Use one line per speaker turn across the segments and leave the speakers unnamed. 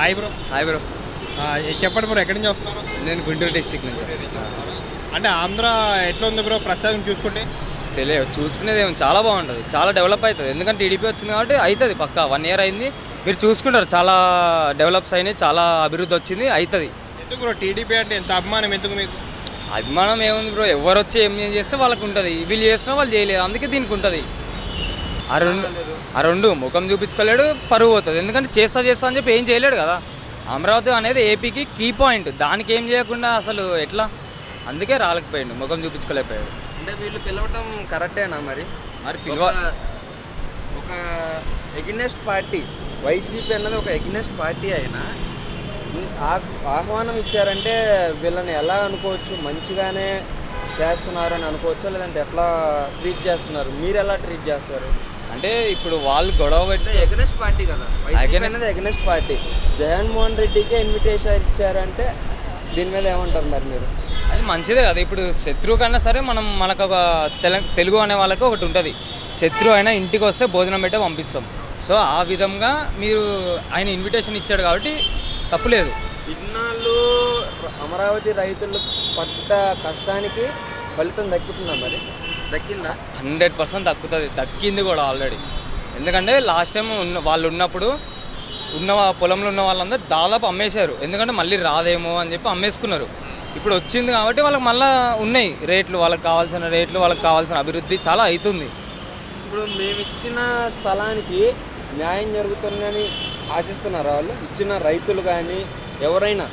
Hi bro.
Hi bro.
చెప్పండి bro, ఎక్కడి నుంచి వస్తున్నారు?
నేను గుంటూరు డిస్ట్రిక్ట్ నుంచి వస్తాను.
అంటే ఆంధ్ర ఎట్లా ఉంది బ్రో ప్రస్తుతం చూసుకుంటే?
తెలియదు, చూసుకునేది ఏమో చాలా బాగుంటుంది, చాలా డెవలప్ అవుతుంది. ఎందుకంటే టీడీపీ వచ్చింది కాబట్టి అవుతుంది పక్కా. 1 year అయింది, మీరు చూసుకుంటారు చాలా డెవలప్స్ అయినాయి, చాలా అభివృద్ధి వచ్చింది, అవుతుంది.
ఎందుకు బ్రో టీడీపీ అంటే ఎంత అభిమానం ఎందుకు మీకు?
అభిమానం ఏముంది బ్రో, ఎవరు వచ్చి ఏం చేస్తే వాళ్ళకు ఉంటుంది, వీళ్ళు చేస్తున్నా వాళ్ళు చేయలేదు, అందుకే దీనికి ఉంటుంది. ఆ రెండు ముఖం చూపించుకోలేడు, పరువు పోతుంది. ఎందుకంటే చేస్తా అని చెప్పి ఏం చేయలేడు కదా. అమరావతి అనేది ఏపీకి కీ పాయింట్, దానికి ఏం చేయకుండా అసలు ఎట్లా, అందుకే రాలేకపోయాడు, ముఖం చూపించుకోలేకపోయాడు.
అంటే వీళ్ళు పిలవటం కరెక్టేనా మరి? ఒక ఎగ్నెస్ట్ పార్టీ, వైసీపీ అన్నది ఒక ఎగ్నెస్ట్ పార్టీ అయినా ఆహ్వానం ఇచ్చారంటే వీళ్ళని ఎలా అనుకోవచ్చు? మంచిగానే చేస్తున్నారు అని అనుకోవచ్చా, లేదంటే ఎట్లా ట్రీట్ చేస్తున్నారు? మీరు ఎలా ట్రీట్ చేస్తారు?
అంటే ఇప్పుడు వాళ్ళు గొడవ పెట్టి
ఎగ్నెస్ట్ పార్టీ కదా, వైసీపీ అనేది ఎగ్నెస్ట్ పార్టీ. జగన్మోహన్ రెడ్డికే ఇన్విటేషన్ ఇచ్చారంటే దీని మీద ఏమంటారు మరి మీరు?
అది మంచిదే కదా. ఇప్పుడు శత్రువు కన్నా సరే మనకు ఒక తెలుగు అనే వాళ్ళకి ఒకటి ఉంటుంది, శత్రువు అయినా ఇంటికి వస్తే భోజనం పెట్టే పంపిస్తాం. సో ఆ విధంగా మీరు ఆయన ఇన్విటేషన్ ఇచ్చాడు కాబట్టి తప్పులేదు.
ఇన్నాళ్ళు అమరావతి రైతులు పడ్డ కష్టానికి ఫలితం దక్కుతుందా మరి? దక్కిందా?
100% దక్కింది కూడా ఆల్రెడీ. ఎందుకంటే లాస్ట్ టైం వాళ్ళు ఉన్నప్పుడు పొలంలో ఉన్న వాళ్ళందరూ దాదాపు అమ్మేశారు, ఎందుకంటే మళ్ళీ రాదేమో అని చెప్పి అమ్మేసుకున్నారు. ఇప్పుడు వచ్చింది కాబట్టి వాళ్ళకి మళ్ళీ ఉన్నాయి రేట్లు, వాళ్ళకి కావాల్సిన రేట్లు, వాళ్ళకి కావాల్సిన అభివృద్ధి చాలా అవుతుంది.
ఇప్పుడు మేము ఇచ్చిన స్థలానికి న్యాయం జరుగుతుందని ఆశిస్తున్నారా వాళ్ళు? ఇచ్చిన రైతులు కానీ ఎవరైనా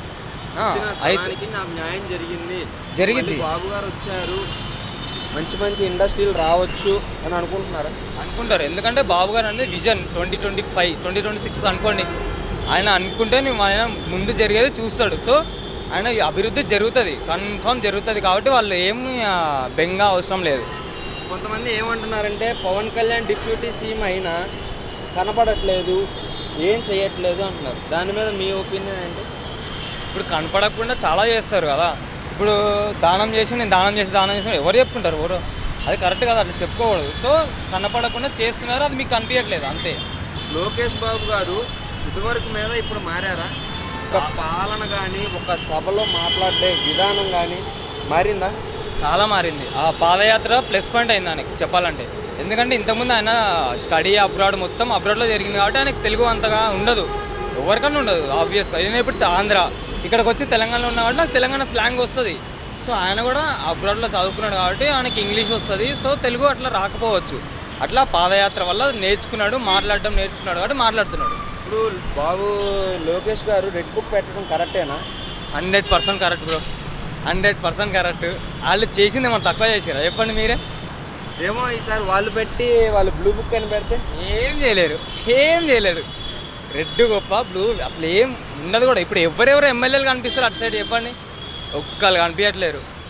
నాకు న్యాయం జరిగింది, బాబు గారు వచ్చారు, మంచి ఇండస్ట్రీలు రావచ్చు అని అనుకుంటారు.
ఎందుకంటే బాబు గారు అనేది విజన్ 2025 2026 అనుకోండి, ఆయన అనుకుంటే ఆయన ముందు జరిగేది చూస్తాడు. సో ఆయన అభివృద్ధి జరుగుతుంది, కన్ఫర్మ్ జరుగుతుంది. కాబట్టి వాళ్ళు ఏమి బెంగ అవసరం లేదు.
కొంతమంది ఏమంటున్నారంటే పవన్ కళ్యాణ్ డిప్యూటీ సీఎం అయినా కనపడట్లేదు, ఏం చేయట్లేదు అంటున్నారు. దాని మీద మీ ఒపీనియన్ ఏంటి?
ఇప్పుడు కనపడకుండా చాలా చేస్తారు కదా. ఇప్పుడు దానం చేసి ఎవరు చెప్పుకుంటారు? ఎవరు? అది కరెక్ట్ కదా, అట్లా చెప్పుకోకూడదు. సో కనపడకుండా చేస్తున్నారు, అది మీకు కనిపించట్లేదు అంతే.
లోకేష్ బాబు గారు ఇదివరకు మీద ఇప్పుడు మారారా? ఒక పాలన కానీ, ఒక సభలో మాట్లాడే విధానం కానీ మారిందా?
చాలా మారింది. ఆ పాదయాత్ర ప్లస్ పాయింట్ అయింది ఆయనకి చెప్పాలంటే. ఎందుకంటే ఇంతకుముందు ఆయన స్టడీ అబ్రాడ్, మొత్తం అబ్రాడ్లో జరిగింది కాబట్టి ఆయనకు తెలుగు అంతగా ఉండదు, ఎవరికన్నా ఉండదు ఆబ్వియస్గా. నేను ఇప్పుడు ఆంధ్ర, ఇక్కడికి వచ్చి తెలంగాణలో ఉన్న కాబట్టి నాకు తెలంగాణ స్లాంగ్ వస్తుంది. సో ఆయన కూడా అబ్రాడ్లో చదువుకున్నాడు కాబట్టి ఆయనకి ఇంగ్లీష్ వస్తుంది. సో తెలుగు అట్లా రాకపోవచ్చు, అట్లా పాదయాత్ర వల్ల నేర్చుకున్నాడు, మాట్లాడడం నేర్చుకున్నాడు కాబట్టి మాట్లాడుతున్నాడు.
ఇప్పుడు బాబు లోకేష్ గారు రెడ్ బుక్ పెట్టడం కరెక్టేనా?
100% కరెక్ట్ బ్రో, 100% కరెక్ట్. వాళ్ళు చేసింది మనం తక్కువ చేసారా చెప్పండి మీరే?
ఏమో ఈసారి వాళ్ళు పెట్టి వాళ్ళు బ్లూ బుక్ అని పెడితే
ఏం చేయలేరు. రెడ్ గొప్ప, బ్లూ అసలు ఏం ఉండదు కూడా. ఇప్పుడు ఎవరెవరు ఎమ్మెల్యేలు కనిపిస్తారు అటు సైడ్ చెప్పండి? ఒక్కళ్ళు కనిపించట్లేరు.